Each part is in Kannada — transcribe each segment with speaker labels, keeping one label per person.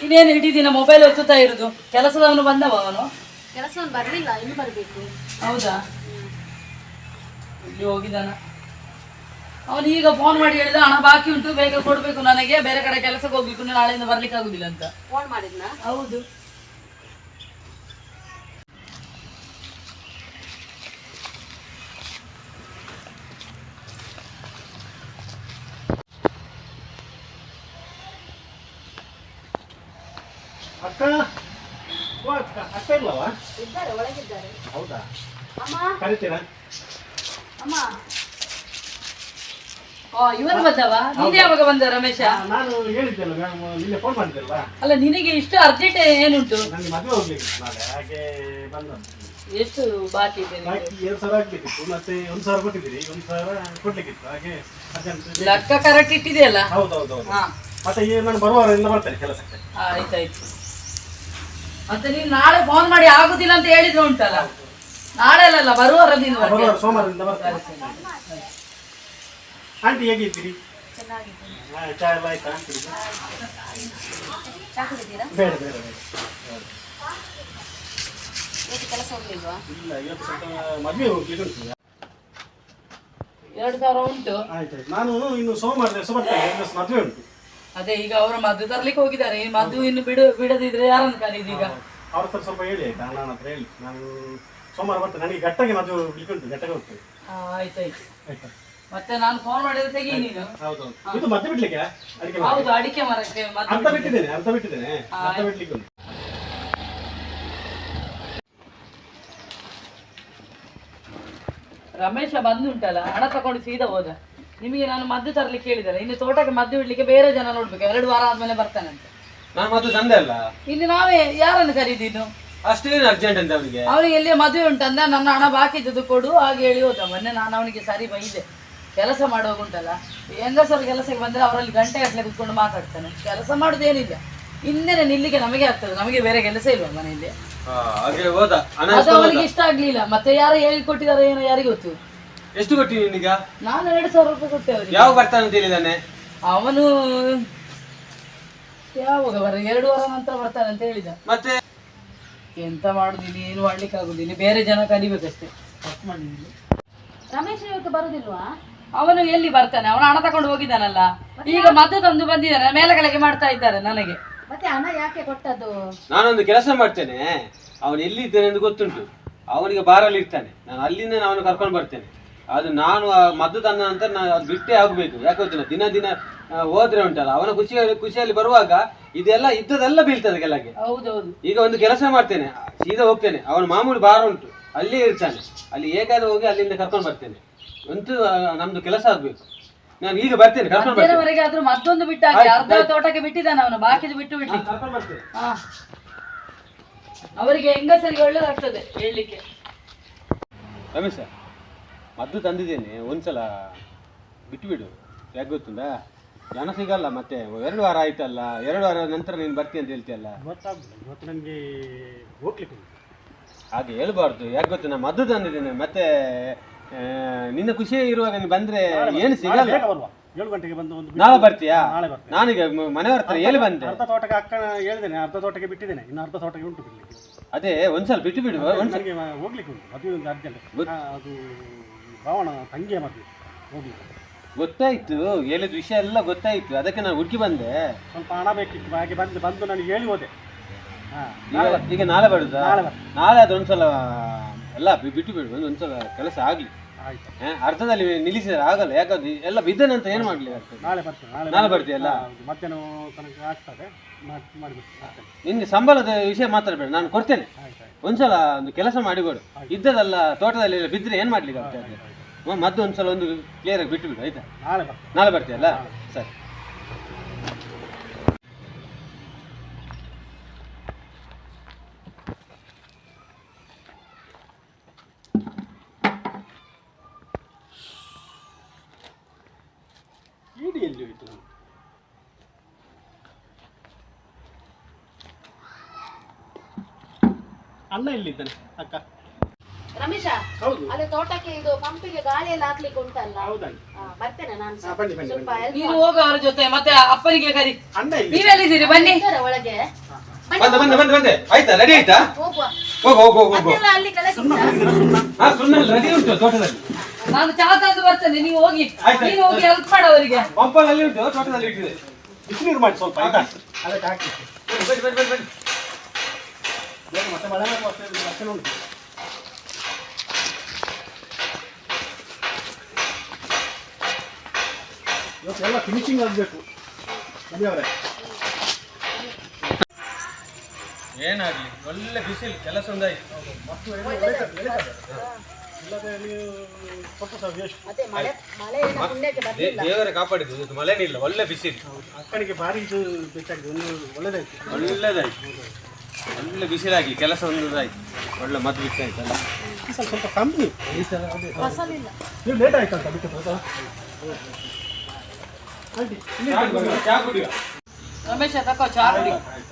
Speaker 1: ಇನ್ನೇನು ಇಡೀ ದಿನ ಮೊಬೈಲ್ ಒತ್ತುತ್ತಾ ಇರುದು. ಕೆಲಸದವನು ಬಂದವ ಅವನು?
Speaker 2: ಕೆಲಸವನ್ನು ಬರ್ಲಿಲ್ಲ, ಇನ್ನು ಬರ್ಬೇಕು.
Speaker 1: ಹೌದಾ? ಇಲ್ಲಿ ಹೋಗಿದ್ದಾನ ಅವನು. ಈಗ ಫೋನ್ ಮಾಡಿ ಹೇಳಿದ ಹಣ ಬಾಕಿ ಉಂಟು, ಬೇಗ ಕೊಡ್ಬೇಕು ನನಗೆ, ಬೇರೆ ಕಡೆ ಕೆಲಸಕ್ಕೆ ಹೋಗ್ಬೇಕು, ನಾಳೆಯಿಂದ ಬರ್ಲಿಕ್ಕೆ ಆಗುದಿಲ್ಲ ಅಂತ.
Speaker 2: ಫೋನ್ ಮಾಡಿದ್ನ?
Speaker 1: ಹೌದು.
Speaker 3: ಅಕ್ಕ ಅಕ್ಕ ಅಕ್ಕ ಇಲ್ಲವಾ?
Speaker 2: ಇದ್ದಾರೆ, ಒಳಗಿದ್ದಾರೆ.
Speaker 3: ಹೌದಾ?
Speaker 2: ಅಮ್ಮ
Speaker 3: ಕರಿತೀರಾ?
Speaker 2: ಅಮ್ಮ.
Speaker 1: ಇವರು ಬಂದವ? ನೀನು ಯಾವಾಗ ಬಂದ ರಮೇಶ?
Speaker 3: ನಾನು ಹೇಳಿದ್ದೆಲ್ಲ ಮ್ಯಾಮ್, ನಿನ್ನೆ ಫೋನ್ ಮಾಡಿದ್ದೆಲ್ವಾ?
Speaker 1: ಅಲ್ಲ, ನಿನಗೆ ಇಷ್ಟು ಅರ್ಜೆಂಟ್ ಏನುಂಟು?
Speaker 3: ನನಗೆ ಮದುವೆ ಹೋಗ್ಲಿಕ್ಕೆ ನಾಳೆ, ಹಾಗೆ ಬಂದದ್ದು.
Speaker 1: ಎಷ್ಟು ಬಾಕಿ ಇದೆ?
Speaker 3: ಬಾಕಿ 2,000 ಆಗ್ಬೇಕಿತ್ತು, ಮತ್ತೆ 1,000 ಕೊಟ್ಟಿದ್ದೀರಿ, 1,000 ಕೊಡ್ಲಿಕ್ಕಿತ್ತು, ಹಾಗೆ ಅರ್ಜೆಂಟ್.
Speaker 1: ಲೆಕ್ಕ ಕರೆಕ್ಟ್ ಇಟ್ಟಿದೆಯಲ್ಲ?
Speaker 3: ಹೌದೌದೌದು.
Speaker 1: ಹಾ,
Speaker 3: ಮತ್ತೆ ಈಗ ನಾನು ಬರುವಾರದಿಂದ ಬರ್ತೇನೆ ಕೆಲಸಕ್ಕೆ.
Speaker 1: ಆಯ್ತಾಯ್ತು. ಮತ್ತೆ ನೀನು ನಾಳೆ ಫೋನ್ ಮಾಡಿ ಆಗುದಿಲ್ಲ ಅಂತ ಹೇಳಿದ್ರು ಉಂಟಲ್ಲ, ನಾಳೆ ಅಲ್ಲ ಬರುವಾರ ನೀನು ಬರ್ತೀಯ?
Speaker 3: ಬರುವಾರ ಸೋಮವಾರದಿಂದ ಬರ್ತೇನೆ. ಆಂಟಿ ಹೇಗಿದ್ದೀರಿ?
Speaker 2: ಚೆನ್ನಾಗಿದ್ದೀನಿ.
Speaker 3: ಚಾ ಎಲ್ಲ ಆಯ್ತಾ?
Speaker 2: ಚಾ ಕುಡಿದ್ದೀರಾ?
Speaker 3: ಬೇಡ ಬೇಡ ಬೇಡ.
Speaker 2: ಇವತ್ತು ಕೆಲಸ ಹೋಗ್ಲಿಲ್ವಾ?
Speaker 3: ಇಲ್ಲ, ಇವತ್ತು ಸ್ವಲ್ಪ ಮದುವೆ ಹೋಗ್ಲಿಕ್ಕೆ ಉಂಟು.
Speaker 1: 2,000 ಉಂಟು.
Speaker 3: ಆಯ್ತಾಯ್ತು, ನಾನು ಇನ್ನು ಸೋಮವಾರ ದಿವಸ ಬರ್ತೇನೆ, ಮದುವೆ ಉಂಟು.
Speaker 1: ಅದೇ ಈಗ ಅವರು ಮದ್ದು ತರ್ಲಿಕ್ಕೆ ಹೋಗಿದ್ದಾರೆ. ಈ ಮದ್ದು ಇನ್ನು ಬಿಡದಿದ್ರೆ ಯಾರನ್ನು ಕರೀದು ಈಗ?
Speaker 3: ಅವ್ರ ಹತ್ರ ಸ್ವಲ್ಪ ಹೇಳಿ ಆಯ್ತಾ, ನನ್ನ ಹತ್ರ ಹೇಳಿ. ನಾನು ಸೋಮವಾರ ಬರ್ತೇನೆ, ನನಗೆ ಗಟ್ಟಗೆ ಮದುವೆ ಹೋಗ್ಲಿಕ್ಕೆ ಉಂಟು, ಗಟ್ಟಗೆ ಹೋಗ್ತೇನೆ.
Speaker 1: ಆಯ್ತಾಯ್ತು.
Speaker 3: ಆಯ್ತಾ?
Speaker 1: ಮತ್ತೆ ನಾನು ಫೋನ್ ಮಾಡಿದ್ರೆ ತೆಗಿ ನೀನು.
Speaker 3: ಹೌದೌದು. ಇದು ಮತ್ತೆ ಬಿಡ್ಲಿಕ್ಕೆ ಅಡಿಕೆ
Speaker 1: ಹೌದು, ಅಡಿಕೆ ಮರಕ್ಕೆ
Speaker 3: ಅರ್ಧ ಬಿಟ್ಟಿದ್ದೇನೆ, ಅರ್ಧ ಬಿಡ್ಲಿಕ್ಕೆ ಉಂಟು.
Speaker 1: ರಮೇಶ ಬಂದುಂಟಲ್ಲ, ಹಣ ತಕೊಂಡು ಸೀದಾ ಹೋದ. ನಿಮಗೆ ನಾನು ಮದ್ದು ತರ್ಲಿಕ್ಕೆ ಹೇಳಿದ್ದಾರೆ. ಇನ್ನು ತೋಟಕ್ಕೆ ಮದ್ದು ಇಡ್ಲಿಕ್ಕೆ ಬೇರೆ ಜನ ನೋಡ್ಬೇಕು, 2 ವಾರ ಆದ್ಮೇಲೆ ಬರ್ತಾನಂತೆ.
Speaker 4: ನಾನು ಮದ್ದು ತಂದೆ ಅಲ್ಲ,
Speaker 1: ಇನ್ನು ನಾವೇ ಯಾರನ್ನು ಕರೀದಿನ್ನು?
Speaker 4: ಅಷ್ಟೇನು ಅರ್ಜೆಂಟ್ ಅಂತ ಅವನಿಗೆ.
Speaker 1: ಅವನಿಗೆ ಎಲ್ಲಿ ಮದುವೆ ಉಂಟಂದ, ನನ್ನ ಹಣ ಬಾಕಿ ಇದ್ದದ್ದು ಕೊಡು ಹಾಗೆ ಹೇಳಿ ಹೋದ. ಮೊನ್ನೆ ನಾನು ಅವನಿಗೆ ಸರಿ ಬೈದೆ. ಕೆಲಸ ಮಾಡುವಾಗುಂಟಲ್ಲ, ಹೆಂಗಸರು ಕೆಲಸಕ್ಕೆ ಬಂದ್ರೆ ಅವರಲ್ಲಿ ಗಂಟೆ ಗಟ್ಟಲೆ ಕುತ್ಕೊಂಡು ಮಾತಾಡ್ತಾನೆ. ಕೆಲಸ ಮಾಡುದೇನಿಲ್ಲ, ಇನ್ನೇನೆ ನಿಲ್ಲಿಗೆ ನಮಗೆ ಆಗ್ತದೆ. ನಮಗೆ ಬೇರೆ ಕೆಲಸ ಇಲ್ವಾ ಮನೆಯಲ್ಲಿ?
Speaker 4: ಹಾಗೆ ಹೋದ.
Speaker 1: ಅದು ಅವನಿಗೆ ಇಷ್ಟ ಆಗ್ಲಿಲ್ಲ. ಮತ್ತೆ ಯಾರು ಹೇಳಿ ಕೊಟ್ಟಿದ್ದಾರೆ ಏನೋ ಯಾರಿಗೆ ಗೊತ್ತು.
Speaker 4: ಎಷ್ಟು ಕೊಟ್ಟಿ ನಿನಗ?
Speaker 1: ನಾನು 2,000 ರೂಪಾಯಿ ಕೊಟ್ಟೆ ಅವರಿಗೆ.
Speaker 4: ಯಾವ ಬರ್ತಾನೆ ಅಂತ ಹೇಳಿದಾನೆ
Speaker 1: ಅವನು? ಯಾವಾಗ ಬರ 2 ವಾರ ನಂತರ ಬರ್ತಾನೆ ಅಂತ ಹೇಳಿದ.
Speaker 4: ಮತ್ತೆ
Speaker 1: ಎಂತ ಮಾಡುದಿಲ್ಲ, ಏನು ಮಾಡ್ಲಿಕ್ಕೆ ಆಗುದಿಲ್ಲ, ಬೇರೆ ಜನ ಕಲಿಬೇಕಷ್ಟೇ. ತಪ್ಪು ಮಾಡಿದ್ದೀನಿ.
Speaker 2: ರಮೇಶ್ ಇವತ್ತು ಬರುದಿಲ್ವಾ?
Speaker 1: ಅವನು ಎಲ್ಲಿ ಬರ್ತಾನೆ? ಅವನು ಹಣ ತಕೊಂಡು ಹೋಗಿದ್ದಾನಲ್ಲ. ಈಗ ಮದ್ದು ತಂದು ಬಂದಿದ್ದಾನೆ, ಮೇಲೆ ಕೆಳಗೆ ಮಾಡ್ತಾ ಇದ್ದಾರೆ ನನಗೆ.
Speaker 2: ಮತ್ತೆ ಹಣ ಯಾಕೆ ಕೊಟ್ಟದ್ದು?
Speaker 4: ನಾನೊಂದು ಕೆಲಸ ಮಾಡ್ತೇನೆ, ಅವನು ಎಲ್ಲಿದ್ದೇನೆ ಅಂತ ಗೊತ್ತುಂಟು. ಅವನಿಗೆ ಬಾರಲ್ಲಿ ಇರ್ತಾನೆ, ನಾನು ಅಲ್ಲಿಂದ ಅವನು ಕರ್ಕೊಂಡು ಬರ್ತೇನೆ. ಅದು ನಾನು ಮದ್ದು ತಂದ ನಂತರ ನಾನು ಅದು ಬಿಟ್ಟೇ ಆಗಬೇಕು. ಯಾಕೆ ಗೊತ್ತಿಲ್ಲ, ದಿನ ದಿನ ಹೋದ್ರೆ ಉಂಟಲ್ಲ, ಅವನ ಖುಷಿಯಲ್ಲಿ ಬರುವಾಗ ಇದೆಲ್ಲ ಇದ್ದದೆಲ್ಲ ಬೀಳ್ತದೆ ಕೆಳಗೆ.
Speaker 1: ಹೌದೌದು.
Speaker 4: ಈಗ ಒಂದು ಕೆಲಸ ಮಾಡ್ತೇನೆ, ಸೀದಾ ಹೋಗ್ತೇನೆ. ಅವನ ಮಾಮೂಲಿ ಬಾರ ಉಂಟು, ಅಲ್ಲೇ ಇರ್ತಾನೆ. ಅಲ್ಲಿ ಹೇಗಾದ್ರೂ ಹೋಗಿ ಅಲ್ಲಿಂದ ಕರ್ಕೊಂಡು ಬರ್ತೇನೆ. ಅಂತೂ ನಮ್ದು ಕೆಲಸ ಆಗ್ಬೇಕು. ನಾನು ಈಗ ಬರ್ತೇನೆ, ಕರ್ಕೊಂಡು ಬರ್ತೇನೆ.
Speaker 1: ಮಧ್ಯಾಹ್ನವರೆಗೆ ಆದ್ರೂ ಮತ್ತೊಂದು ಬಿಟ್ಟಾಗಿ ಅರ್ಧ ತೋಟಕ್ಕೆ ಬಿಟ್ಟಿದ್ದಾನೆ ಅವನು, ಬಾಕಿದು ಬಿಟ್ಟು ಬಿಟ್ಟು.
Speaker 4: ಕರ್ಕೊಂಡು ಬರ್ತೇನೆ.
Speaker 1: ಅವರಿಗೆ ಹೆಂಗಸರಿಗೆ ಒಳ್ಳೇದಾಗ್ತದೆ ಹೇಳಲಿಕ್ಕೆ.
Speaker 4: ರಮೇಶ, ಮದ್ದು ತಂದಿದ್ದೇನೆ, ಒಂದ್ಸಲ ಬಿಟ್ಟು ಬಿಡು. ಯಾಕೆ ಗೊತ್ತುಂಟಾ, ಜನ ಸಿಗಲ್ಲ. ಮತ್ತೆ 2 ವಾರ ಆಯ್ತಲ್ಲ, 2 ವಾರ ನಂತರ ನೀನು ಬರ್ತೀನಿ ಅಂತ ಹೇಳ್ತೀಯಲ್ಲ.
Speaker 3: ಇವತ್ತು ನನಗೆ ಹೋಗ್ಲಿಕ್ಕೆ ಉಂಟು.
Speaker 4: ಹಾಗೆ ಹೇಳ್ಬಾರ್ದು. ಯಾಕೆ ಗೊತ್ತು, ನಾನು ಮದ್ದು ತಂದಿದ್ದೇನೆ. ಮತ್ತೆ ನಿನ್ನ ಖುಷಿ ಇರುವಾಗ ನೀನು ಬಂದ್ರೆ ಏನು ಸಿಗಲ್ಲ.
Speaker 3: 7 ಗಂಟೆಗೆ ಬಂದು ಒಂದು
Speaker 4: ನಾಳೆ ಬರ್ತೀಯಾ?
Speaker 3: ನಾಳೆ ಬರ್ತೇನೆ.
Speaker 4: ನಾನೀಗ ಮನೆಯವ್ರ ಹತ್ರ ಹೇಳಿ ಬಂದೆ.
Speaker 3: ಅರ್ಧ ತೋಟಕ್ಕೆ ಅಕ್ಕನ ಹೇಳಿದ್ದೇನೆ, ಅರ್ಧ ತೋಟಕ್ಕೆ ಬಿಟ್ಟಿದ್ದೇನೆ, ಇನ್ನು ಅರ್ಧ ತೋಟಕ್ಕೆ ಉಂಟು ಬಿಡ್ಲಿಕ್ಕೆ.
Speaker 4: ಅದೇ ಒಂದ್ಸಲ ಬಿಟ್ಟು ಬಿಡು.
Speaker 3: ನನಗೆ ಹೋಗ್ಲಿಕ್ಕೆ ಉಂಟು, ಮದುವೆ ಒಂದು ಅರ್ಜೆಂಟ್. ಅದು ಭಾವನ ತಂಗಿಯ ಮದುವೆ, ಹೋಗ್ಲಿಕ್ಕೆ.
Speaker 4: ಗೊತ್ತಾಯ್ತು, ಹೇಳಿದ ವಿಷಯ ಎಲ್ಲ ಗೊತ್ತಾಯ್ತು. ಅದಕ್ಕೆ ನಾನು ಹುಡುಕಿ ಬಂದೆ.
Speaker 3: ಸ್ವಲ್ಪ ಹಣ ಬೇಕಿತ್ತು, ಹಾಗೆ ಬಂದು ನನಗೆ ಹೇಳಿ ಹೋದೆ.
Speaker 4: ಈಗ ನಾಳೆ ಬರುದಾ?
Speaker 3: ನಾಳೆ ಬರ್ತೇನೆ.
Speaker 4: ನಾಳೆ ಅದು ಒಂದ್ಸಲ ಎಲ್ಲ ಬಿಟ್ಟು ಬಿಡು, ಒಂದ್ಸಲ ಕೆಲಸ ಆಗ್ಲಿ.
Speaker 3: ಆಯ್ತು,
Speaker 4: ಅರ್ಧದಲ್ಲಿ ನಿಲ್ಲಿಸಿದ್ರೆ ಆಗಲ್ಲ. ಯಾಕಂದ್ರೆ ಎಲ್ಲ ಬಿದ್ದನಂತ ಏನು ಮಾಡ್ಲಿಕ್ಕೆ ಆಗ್ತದೆ.
Speaker 3: ನಾಳೆ ಬರ್ತೇನೆ.
Speaker 4: ನಾಳೆ ಬರ್ತೀಯಲ್ಲ?
Speaker 3: ಮಧ್ಯಾಹ್ನ ತನಕ ಆಗ್ತದೆ, ಮಾಡಿಬಿಡ್ತೇನೆ.
Speaker 4: ನಿನ್ಗೆ ಸಂಬಳದ ವಿಷಯ ಮಾತಾಡಬೇಡ, ನಾನು ಕೊಡ್ತೇನೆ. ಒಂದ್ಸಲ ಒಂದು ಕೆಲಸ ಮಾಡಿಕೊಡು. ಇದ್ದದಲ್ಲ ತೋಟದಲ್ಲಿ ಎಲ್ಲ ಬಿದ್ದರೆ ಏನು ಮಾಡ್ಲಿಕ್ಕೆ ಆಗ್ತದೆ. ಮದ್ದು ಒಂದ್ಸಲ ಒಂದು ಕ್ಲಿಯರ್ ಆಗಿ ಬಿಟ್ಟು ಬಿಡು, ಆಯ್ತಾ? ನಾಳೆ ಬರ್ತೀಯಲ್ಲ? ಸರಿ.
Speaker 3: ಎಲ್ಲಿ ಹೋಯ್ತು? ಅಣ್ಣ ಎಲ್ಲಿದ್ದಾನೆ? ಅಕ್ಕ
Speaker 2: ರಮೇಶ
Speaker 3: ಹೌದು.
Speaker 2: ಅಲ್ಲಿ ತೋಟಕ್ಕೆ ಇದು ಪಂಪಿಗೆ ಗಾಳಿ ಎಲ್ಲ ಹಾಕ್ಲಿಕ್ಕೆ ಉಂಟಲ್ಲ.
Speaker 3: ಹೌದಣ್ಣ.
Speaker 2: ಬರ್ತೇನೆ ನಾನು
Speaker 3: ಹಾ, ಬನ್ನಿ ಬನ್ನಿ
Speaker 2: ಸ್ವಲ್ಪ
Speaker 3: ಬನ್ನಿ.
Speaker 2: help
Speaker 1: ನೀನು ಹೋಗ ಅವ್ರ ಜೊತೆ, ಮತ್ತೆ ಅಪ್ಪನಿಗೆ ಕರಿ.
Speaker 3: ಅಣ್ಣ ಇಲ್ಲಿ
Speaker 1: ನೀವೆಲ್ಲಿದ್ದೀರಿ? ಬನ್ನಿ.
Speaker 2: ಇದ್ದಾರೆ ಒಳಗೆ.
Speaker 4: ಬಂದೆ ಆಯ್ತಾ? ರೆಡಿ ಆಯ್ತಾ?
Speaker 2: ಹೋಗುವ.
Speaker 4: ಹೋಗು
Speaker 2: ಅದೆಲ್ಲ ಅಲ್ಲಿ ಕೆಳಗೆ ಉಂಟಾ?
Speaker 4: ಹಾ, ಸುಮ್ಮನೆ ರೆಡಿ ಉಂಟು ತೋಟದಲ್ಲಿ.
Speaker 1: ನಾನು ಚಾ ತಂದು ಬರ್ತೇನೆ, ನೀವು ಹೋಗಿ.
Speaker 4: ಆಯ್ತು.
Speaker 1: ನೀನು ಹೋಗಿ ಹೆಲ್ಪ್ ಮಾಡು ಅವರಿಗೆ.
Speaker 4: ಪಂಪಲ್ಲಿ ಉಂಟು, ತೋಟದಲ್ಲಿ ಇಟ್ಟಿದೆ.
Speaker 3: ಬಿಸಿನೀರು ಮಾಡಿ ಸ್ವಲ್ಪ ಆಯ್ತಾ ಅದಕ್ಕೆ ಹಾಕಿ
Speaker 4: ಬನ್ನಿ.
Speaker 3: ಬೇಗ ಮತ್ತೆ ಮಳೆ ಬರುವ ಲಕ್ಷಣ ಉಂಟು. ಇವತ್ತು ಎಲ್ಲ ಫಿನಿಶಿಂಗ್ ಆಗಬೇಕು ಮನೆಯವರೇ.
Speaker 4: ಏನಾಗ್ಲಿ, ಒಳ್ಳೆ ಬಿಸಿಲು, ಕೆಲಸ ಒಂದಾಯ್ತು.
Speaker 3: ಮತ್ತು ಇಲ್ಲದೆ ನೀವು ಕೊಟ್ಟು ಸಹ ವೇಸ್ಟ್.
Speaker 2: ಅದೇ ಮಳೆ ಏನು ಪುಣ್ಯಕ್ಕೆ ಬರ್ಲಿಲ್ಲ.
Speaker 4: ದೇವರೇ ಕಾಪಾಡಿದ್ದು, ಇವತ್ತು ಮಳೆನೇ ಇಲ್ಲ, ಒಳ್ಳೆ ಬಿಸಿಲು.
Speaker 3: ಅಕ್ಕನಿಗೆ ಭಾರಿ ಇದು ಬೇಕಾಗಿದೆ, ಒಂದು ಒಳ್ಳೆದಾಯ್ತು.
Speaker 4: ಒಳ್ಳೆದಾಯ್ತು, ಒಳ್ಳೆ ಬಿಸಿಲಾಗಿ ಕೆಲಸ ಒಂದಾಯ್ತು, ಒಳ್ಳೆ ಮದ್ದು ಬಿತ್ತಾಯ್ತಲ್ಲ.
Speaker 3: ಸ್ವಲ್ಪ ಕಮ್ಮಿ
Speaker 2: ಫಸಲಿಲ್ಲ.
Speaker 3: ನೀವು ಲೇಟ್ ಆಯ್ತು ಅಂತ ಅದಕ್ಕೆ ಸ್ವಲ್ಪ ಆಂಟಿ
Speaker 4: ಚಾ ಕುಡಿಯುವ.
Speaker 1: ರಮೇಶ ತಕೋ ಚಾ ಕುಡಿ.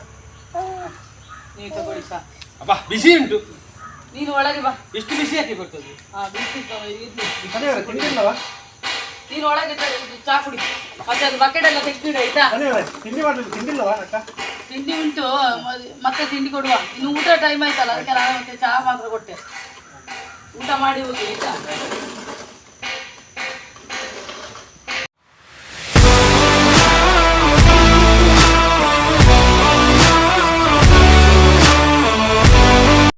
Speaker 1: ನೀವು ತಗೊಳ್ಳಿ ಚಾ.
Speaker 4: ಅಪ್ಪ ಬಿಸಿ ಉಂಟು,
Speaker 1: ನೀನು ಒಳಗೆ ಬಾ.
Speaker 4: ಎಷ್ಟು ಬಿಸಿ ಹಾಕಿ ಕೊಡ್ತದೆ?
Speaker 1: ಹಾ, ಬಿಸಿ ಇರ್ಲಿ.
Speaker 3: ಮನೆಯವರೇ ತಿಂಡಿಲ್ಲವಾ?
Speaker 1: ನೀನು ಒಳಗೆ ಚಾ ಕುಡಿ. ಮತ್ತೆ ಅದು ಬಕೆಟ್ ಎಲ್ಲ ತೆಗ್ದಿಡು ಆಯ್ತಾ?
Speaker 3: ಮನೆಯವರೇ ತಿಂಡಿ ಮಾಡಲಿಲ್ಲ, ತಿಂಡಿಲ್ಲವಾ ಅಕ್ಕ?
Speaker 1: ತಿಂಡಿ ಉಂಟು, ಮತ್ತೆ ತಿಂಡಿ ಕೊಡುವ. ಇನ್ನು ಊಟ ಟೈಮ್ ಆಯ್ತಲ್ಲ, ಅದಕ್ಕೆ ನಾನು ಮತ್ತೆ ಚಾ ಮಾತ್ರ ಕೊಟ್ಟೆ. ಊಟ ಮಾಡಿ ಹೋಗಿ ಆಯ್ತಾ?